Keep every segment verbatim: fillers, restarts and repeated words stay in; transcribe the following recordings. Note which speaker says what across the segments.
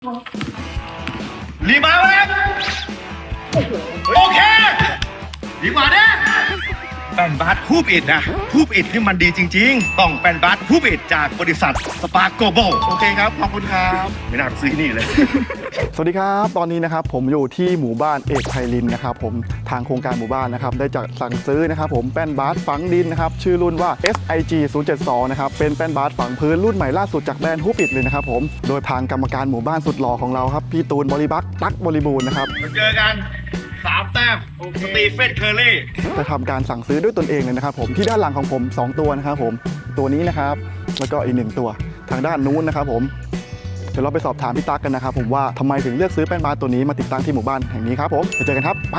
Speaker 1: รีมาแล้วโอเคดีกว่าเนี่ยแป้นบาสฮูบอิดนะฮูบอิดนี่มันดีจริงๆต้องแป้นบาสฮูบอิดจากบริษัทสปาร์โกโบโอเคครับขอบคุณครับไม่น่าไปซื้อที่นี่เลย
Speaker 2: สวัสดีครับตอนนี้นะครับผมอยู่ที่หมู่บ้านเอกไพลินนะครับผมทางโครงการหมู่บ้านนะครับได้จัดสั่งซื้อนะครับผมแป้นบาสฝังดินนะครับชื่อรุ่นว่า เอส ไอ จี ศูนย์ เจ็ด สอง นะครับเป็นแป้นบาสฝังพื้นรุ่นใหม่ล่าสุดจากแบรนด์ฮูปิดเลยนะครับผมโดยทางกรรมการหมู่บ้านสุดหล่อของเราครับพี่ตูนบริบักตั๊กบริบูรณ์นะครับ
Speaker 1: มาเจอกันสามแต้มสตีเฟนเคอร์รี่
Speaker 2: จะทำการสั่งซื้อด้วยตนเองเลยนะครับผมที่ด้านหลังของผมสองตัวนะครับผมตัวนี้นะครับแล้วก็อีกหนึ่งตัวทางด้านนู้นนะครับผมเดี๋ยวเราไปสอบถามพี่ตั๊กกันนะครับผมว่าทำไมถึงเลือกซื้อแป้นบาสตัวนี้มาติดตั้งที่หมู่บ้านแห่งนี้ครับผมไปเจอกันครับไป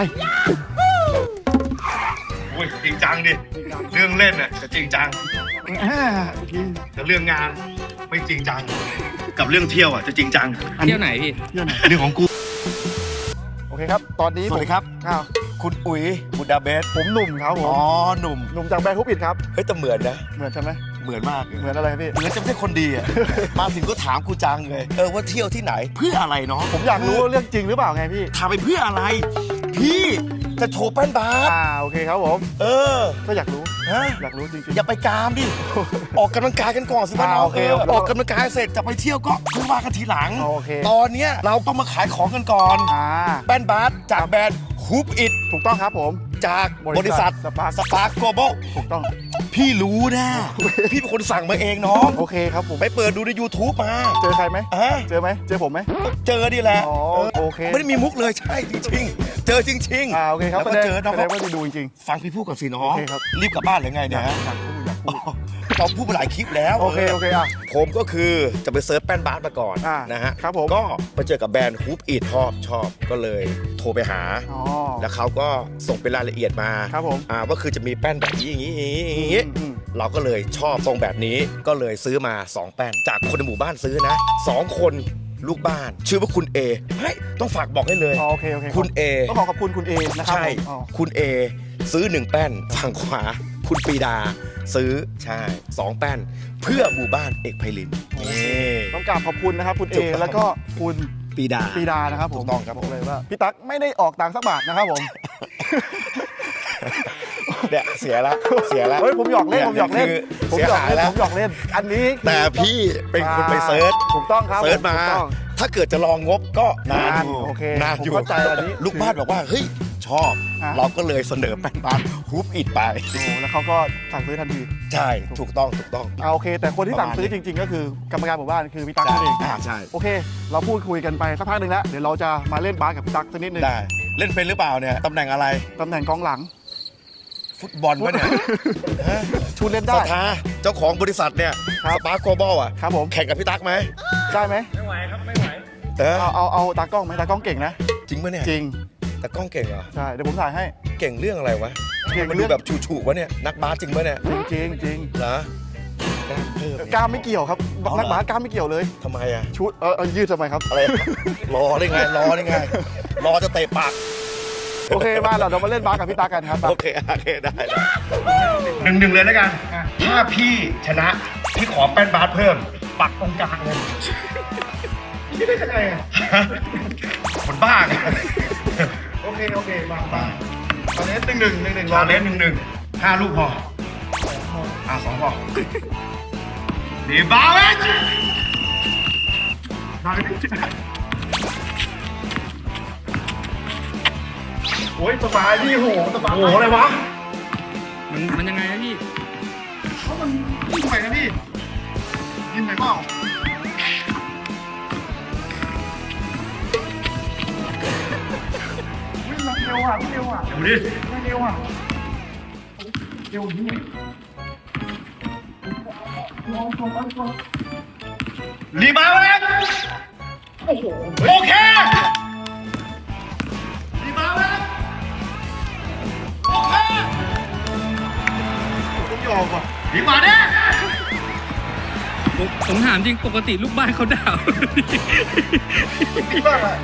Speaker 1: โอ้ยจริงจังดิเรื่องเล่นน่ะจะจริงจังแต่เรื่องงานไม่จริงจังกับเรื่องเที่ยวอ่ะจะจริงจัง
Speaker 3: เที่ยวไหนพี่
Speaker 2: เที่ยวไหน
Speaker 1: เรื่องของกู
Speaker 2: โอเคครับตอนนี้
Speaker 4: สวัสดีครับ
Speaker 2: อ้าว
Speaker 4: คุณอุ๋ยบุดาเบส
Speaker 2: ผมหนุ่มครับผม
Speaker 4: อ๋อหนุ่ม
Speaker 2: หนุ่มจากแบรนด์ฮูปิดครับ
Speaker 4: เฮ้ยแต่เหมือนนะ
Speaker 2: เหมือนใช่ไหม
Speaker 4: เหมือนมากเลย
Speaker 2: เหมือนอะไรครับพี่
Speaker 4: เหมือนจะไม่ใช่คนดีอ่ะ มาถึงก็ถามกูจังเลย เออว่าเที่ยวที่ไหน เพื่ออะไรเนาะ
Speaker 2: ผมอยากรู้ว่าเรื่องจริงหรือเปล่าไงพี่
Speaker 4: ถามไปเพื่ออะไร พี่จะโชว์แป้นบาส
Speaker 2: อ่าโอเคครับผม
Speaker 4: เออ
Speaker 2: ก็อยากรู้
Speaker 4: ฮะ
Speaker 2: อยากรู้จริง
Speaker 4: อย่าไปกามดิ ออกกำลังกายกันก่อนสิบ้าน
Speaker 2: อ่า
Speaker 4: เรา
Speaker 2: โอเค
Speaker 4: เออออกกำลังกายเสร็จจะไปเที่ยวก็ค่อยว่ากันทีหลัง
Speaker 2: โอเค
Speaker 4: ตอนเนี้ยเราต้องมาขายของกันก่อน
Speaker 2: ๆอ่า
Speaker 4: แป้นบาสจากแบรนด์ฮูปอิด
Speaker 2: ถูกต้องครับผม
Speaker 4: จากบบ
Speaker 2: ริ
Speaker 4: ริ
Speaker 2: ษั
Speaker 4: ษั
Speaker 2: ท
Speaker 4: ท
Speaker 2: สปาร์ค
Speaker 4: สปาร์คโกลบอล
Speaker 2: ถูกต้อง
Speaker 4: พี่รู้นะ พี่เป็นคนสั่งมาเองน้อง
Speaker 2: โอเคครับผม
Speaker 4: ไปเปิดดูใน YouTube มา
Speaker 2: เจอใครไหม
Speaker 4: อ่ะ
Speaker 2: เจอไหมเจอผมไหม
Speaker 4: เจอดีแหละ
Speaker 2: อ๋อ
Speaker 4: เออ
Speaker 2: โอเค
Speaker 4: ไม่ได้มีมุกเลยใช่จริงๆ เจอจริง
Speaker 2: อ่าโอเคครับ
Speaker 4: แล้ว
Speaker 2: แส
Speaker 4: ก็
Speaker 2: ดง
Speaker 4: เจอน้อง
Speaker 2: แสดงว่าได้ดูจริง
Speaker 4: ฟังพี่พูดกับสิน้อ
Speaker 2: โอง เคครับ
Speaker 4: รีบกลับบ้านหรือไง
Speaker 2: ๆ
Speaker 4: เนี่ยฮะ
Speaker 2: อยากพูดอยากพูด
Speaker 4: เราพูดมาหลายคลิปแล้ว
Speaker 2: โอเคโอเคอ่ะ
Speaker 4: ผมก็คือจะไปเซิร์ชแป้นบาสมาก่อน
Speaker 2: อ่า
Speaker 4: นะฮะ
Speaker 2: ครับผม
Speaker 4: ก็ไปเจอกับแบรนด์ฮูปอีทชอบชอบก็เลยโทรไปหา
Speaker 2: อ๋อ
Speaker 4: แล้วเขาก็ส่งเป็นรายละเอียดมา
Speaker 2: ครับผม
Speaker 4: อ่าว่าคือจะมีแป้นแบบนี้อย่างนี้อย่างนี้อย่างนี้
Speaker 2: อืม
Speaker 4: เราก็เลยชอบทรงแบบนี้ก็เลยซื้อมาสองแป้นจากคนในหมู่บ้านซื้อนะสองคนลูกบ้านชื่อว่าคุณเอเฮ้ยต้องฝากบอกให้เลย
Speaker 2: อ๋อโอเคโอเค
Speaker 4: คุณเอ
Speaker 2: ต้องขอขอบคุณคุณเอนะครับ
Speaker 4: ใช่
Speaker 2: ผมอ๋อ
Speaker 4: คุณเอซื้อหนึ่งแป้นฝั่งขวา คุณปีดา ซื้อใช่สองแป้น เพื่อหมู่บ้านเอกไพลินนี่
Speaker 2: ต้องกราบขอบคุณนะครับคุณเอ
Speaker 4: ถูกต้อง
Speaker 2: แล้วก็คุณ
Speaker 4: ปีดา
Speaker 2: ปีดานะครับผม
Speaker 4: ถูกต้องครับ
Speaker 2: บอกเลยว่าพี่ตั๊กไม่ได้ออกตังค์สักบาทนะครับผม
Speaker 4: เนี่ยเสียละเสียละ
Speaker 2: เฮ้ยผมหยอกเล่นผมหยอกเล่น
Speaker 4: คือ
Speaker 2: ผม
Speaker 4: เสีย
Speaker 2: หยอก
Speaker 4: หาย
Speaker 2: เล่น
Speaker 4: แล้ว
Speaker 2: ผมหยอกเล่นอันนี้คือ
Speaker 4: แต่พี่เป็นคนไปเซิร์ช
Speaker 2: ถูกต้องครับ
Speaker 4: เซิร์ชมา
Speaker 2: ถูกต้อง
Speaker 4: ถ้าเกิดจะลองงบก็นานอยู่
Speaker 2: โอเคน
Speaker 4: านอยู่
Speaker 2: ผมเข้าใจอันนี้
Speaker 4: ลูกบ้านบอกว่าเฮ้ยชอบ
Speaker 2: อ่ะ
Speaker 4: เราก็เลยเสนอแป้นบาสฮุบอิดไป
Speaker 2: โอ้แล้วเขาก็สั่งซื้อทันที
Speaker 4: ใช่ถูกต้องถูกต้อง
Speaker 2: อ่าโอเค แต่คนที่สั่งซื้อจริง ๆ ก็คือกรรมการหมู่บ้านคือพี่ตั๊กนั่นเอง
Speaker 4: อ่าใช่
Speaker 2: โอเค เราพูดคุยกันไปสักพักหนึ่งแล้วเดี๋ยวเราจะมาเล่นบาสกับพี่ตั๊กสักนิดหนึง
Speaker 4: ได้เล่นเป็นหรือเปล่าเนี่ยตำแหน่งอะไร
Speaker 2: ตำแหน่งกองหลัง
Speaker 4: ฟุตบอลปะเนี่ยฮะ
Speaker 2: ชูเล่น
Speaker 4: ส
Speaker 2: ได้
Speaker 4: ถาเจ้าของบริษัทเนี่ย
Speaker 2: ครับ
Speaker 4: สปาร์คโกลบอลอ่ะ
Speaker 2: ครับผม
Speaker 4: แข่งกับพี่ตั๊กไหม
Speaker 2: ได้ไหม
Speaker 1: ไม่ไหวครับไม่ไหว
Speaker 4: เออ
Speaker 2: เอาเอาเอาตากล้องไหมตากล้องเก่งนะ
Speaker 4: จริงปะเนี่ย
Speaker 2: จริง
Speaker 4: แต่กล้องเก่งเหรอ
Speaker 2: ใช่เดี๋ยวผมถ่ายให้
Speaker 4: เก่งเรื่องอะไรวะ
Speaker 2: เก่ง
Speaker 4: มัน
Speaker 2: เรื่
Speaker 4: ดู
Speaker 2: อง
Speaker 4: แบบฉูๆวะเนี่ยนักบาสจริงปะเนี่ย
Speaker 2: จริงจริงจริง
Speaker 4: เหรอเพิ่ม
Speaker 2: กล้ามไม่เกี่ยวครับ
Speaker 4: เอาเหรอ
Speaker 2: นักบาสกล้ามไม่เกี่ยวเลย
Speaker 4: ทำไมอ่ะ
Speaker 2: ชุดเออเออยืดทำไมครับ
Speaker 4: อะไร รอได้ไงรอได้ไง รอจะเตะปาก
Speaker 2: โอเคมาเราเรามาเล่นบาสกับพี่ตากันครับ
Speaker 4: โอเคโอเคได้ได้
Speaker 1: หนึ่งหนึ่งเลยแล้วกันถ้าพี่ชนะพี่ขอแป้นบาสเพิ่ม ปักตรงกลางเลยพี่ได้ยังไงอ่ะคนบ้าไงโอเคโอเคมามาตอนนี้หนึ่งหนึ่งหนึ่งหนึ่งรอเล่นหนึ่งหนึ่งห้าลูกพออ่ะสองพอดีบาเวชบาเวชโอ้ยสบายพี่โหสบายโหอะไรวะ
Speaker 3: มันมันยังไงอะพี่
Speaker 1: เขามันยิงไปนะพี่ยิงไปเปล่าวิ่งเร็วอ่ะวิ่งเร็วอ่ะเดี๋ยวดิวิ่งเร็วอ่ะเร็วนี่รีบมาแล้วโอ้โหโอเครีบมาแล้วโอเคผมยอมว่ะรีบมาเนี่ย
Speaker 3: ผมผมถามจริงปกติลูกบ้านเขาด่า
Speaker 1: รีบมาเลย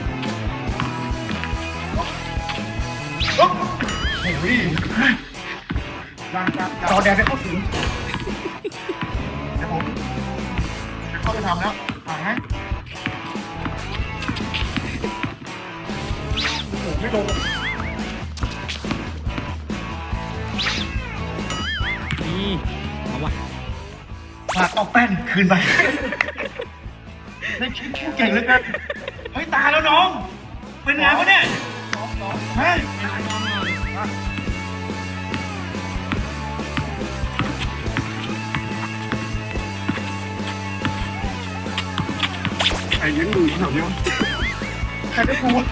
Speaker 1: โอ้โห
Speaker 2: ยังยัง
Speaker 1: จอแดงได้เข้าสิง
Speaker 2: เดี๋ยวผมจะเข้าไปทำแล้วถ่ายไหมโอ้โหไม่ลง
Speaker 3: นี่เอาวะ
Speaker 1: ฝากเอาแป้นคืนไปได้คิดเก่งเหลยกันเฮ้ยตายแล้วน้อง เป็นไงวะเนี่ยฮะใครยืนดูแถวนี้วะใครได้กูวะ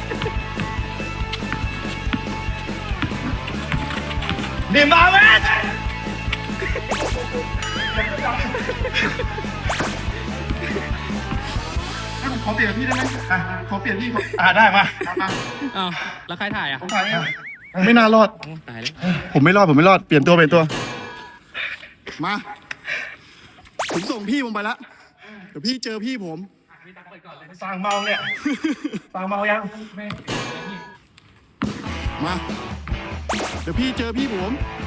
Speaker 1: ดิมาเวส
Speaker 2: ให้ผมขอเปลี่ยนกับพี่ได้ไหมอ่ะขอเปลี่ยนพี่ขอ
Speaker 1: อ่าได้มา
Speaker 2: เอามา
Speaker 3: อ้าวแล้วใครถ่ายอ่ะ
Speaker 2: ผมถ่ายไม่ไม่น่ารอด
Speaker 3: โอ้ตายแล้ว
Speaker 2: ผมไม่รอด ผมไม่รอด เปลี่ยนตัวเปลี่ยนตัว มา ผมส่งพี่ผมไปแล้ว เดี๋ยวพี่เจอพี่ผม
Speaker 1: สั่งเมาเนี่ยสั่งเมายัง
Speaker 2: มา เดี๋ยวพี่เจอพี่ผม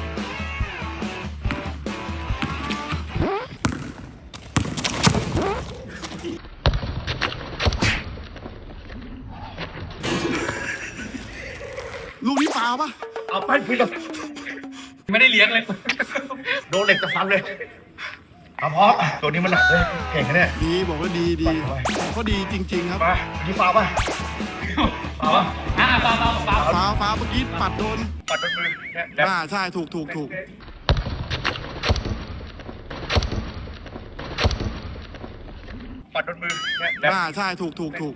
Speaker 2: ลูกนี้ฟาวปะ
Speaker 1: เอาไปพี่กับ
Speaker 3: ไม่ได้เลี้ยงเลย
Speaker 1: โดนเหล็กจะฟันเลยเอาพอตัวนี้มันหนักเลยเก่งนะเนี่ย
Speaker 2: ดีบอกว่าดีดีเขาดีจริง ๆ ครับ
Speaker 1: มาดีฟ้าป่ะฟ้าป่ะ
Speaker 3: อ่ะเปล่าเปล่าเปล่า
Speaker 2: ฟ้าวฟ้าวเมื่อกี้ปัดโดน
Speaker 1: ปัดเป็นมือเนี่ย
Speaker 2: อ่าใช่ ถูกถูกถูก
Speaker 1: ปัดเป็นมือเนี่ย
Speaker 2: อ่าใช่ ถูกถูกถูก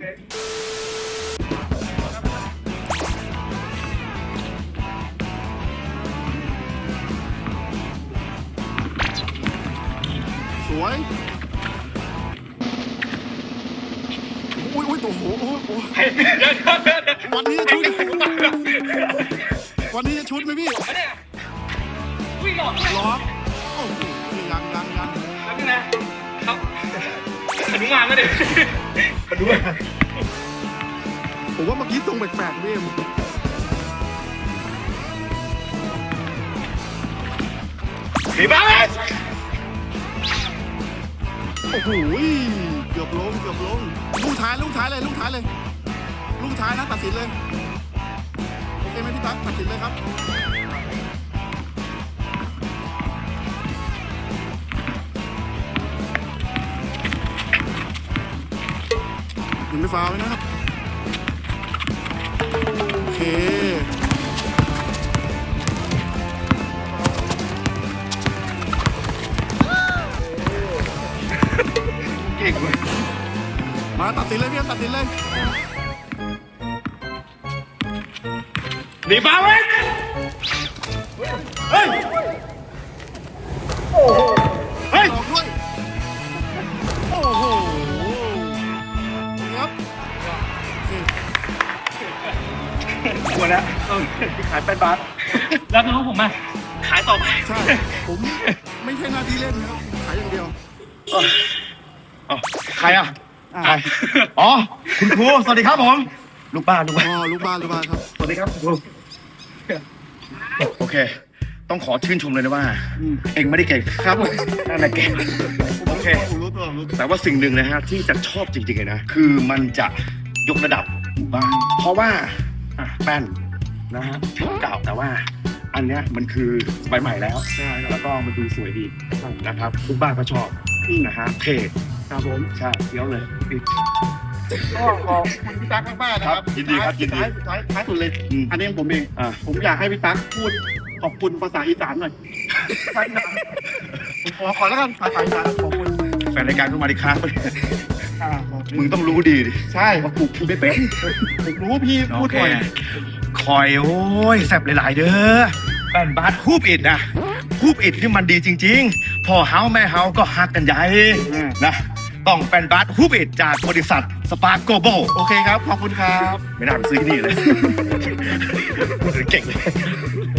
Speaker 2: สวย อุ้ยอุ้ยโอ้โหโอ้โหโอ้โหวันนี้จะชุด วันนี้จะชุดไหมพี่
Speaker 3: วิ่งออก
Speaker 2: ล็อกโอ้โหยังยังยัง
Speaker 3: แล้วนี่นะครับหนุมานก็เด็ก
Speaker 1: มาดูอ่ะ
Speaker 2: ผมว่าเมื่อกี้ทรงแปลกๆพี่เอ็ม
Speaker 1: ดีบ้าเลย
Speaker 2: โอ้โหเกือบลงเกือบลงลูกท้ายลูกท้ายเลยลูกท้ายเลย ลูกท้ายนะตัดสินเลย โอเคไหมพี่ตั๊กตัดสินเลยครับยังไม่ฟาวล์ไว้นะครับ โอเค
Speaker 1: เก่งเว้ย
Speaker 2: มาตัดสินเลยพี่เอ็มตัดสินเลย
Speaker 1: ดีบ้าเว้ยเฮ้ยโอ้โหเฮ้ย
Speaker 2: ออกด้วย โอ้โหครับโอเค
Speaker 1: กลัวแล้วเออที่ขายเป็นบาท
Speaker 3: แล้วน้องผมอ่ะ
Speaker 1: ขายต่อไป
Speaker 2: ใช่ ผมไม่ใช่หน้าที่เล่นนะครับ ขายอย่างเดียว
Speaker 1: อ๋อใครอ่ะ
Speaker 2: อ่า
Speaker 1: ใครอ๋อคุณครูสวัสดีครับผมลูกบ้านลูกบ้าน
Speaker 2: อ๋อลูกบ้านลูกบ้านครับ
Speaker 1: สวัสดีครับคุณครูโอเค ต้องขอชื่นชมเลยนะว่า
Speaker 2: อืม
Speaker 1: เองไม่ได้เก่งครับผมนั่นแหละเก่งโอเค
Speaker 2: ผมรู้ตัวผมรู้ตัว
Speaker 1: แต่ว่าสิ่งหนึ่งนะฮะที่จะชอบจริงๆเลยนะ คือมันจะยกระดับหมู่บ้าน เพราะว่าอ่ะแป้นนะฮะเก่าแต่ว่า อันเนี้ยมันคือสมัยใหม่แล้วแล้วก็มันดูสวยดีนะครับทุกบ้านก็ชอบนะฮะเท่
Speaker 2: ครับผม
Speaker 1: ใช่เฟี้ยวเลย
Speaker 2: ก็ขอบคุณพี่ตั๊กมากๆนะครับ
Speaker 1: ครับยินดีครับยินดี
Speaker 2: ท้ายสุดท้ายท้ายสุดเลย
Speaker 1: อืม
Speaker 2: อันนี้ของผมเอง
Speaker 1: อ่า
Speaker 2: ผมอยากให้พี่ตั๊กพูดขอบคุณภาษาอีสานหน่อยผมขอขอแล้วกันภาษาอีสานขอบคุณ
Speaker 1: แฟนรายการก็มาดิครับ
Speaker 2: อ่าขอบคุณ
Speaker 1: มึงต้องรู้ดีดิ
Speaker 2: ใช่
Speaker 1: ว่ากูพูดไม่เป็น
Speaker 2: ผมรู้ว่าพี่พูด
Speaker 1: โอเค
Speaker 2: บ่อย
Speaker 1: คอยโอ้ยแซบหลายๆเด้อแป้นบาสคูบอิดนะคูบอิดที่มันดีจริงๆพ่อเฮาแม่เฮาก็ฮักกันใหญ่นะต้องแป้นบาสคูบอิดจากบริษัทสปาร์โกโบ
Speaker 2: โอเคครับ ขอบคุณครับ
Speaker 1: ไม่น่าไปซื้อที่นี่เลย พูดถึงเก่งเลย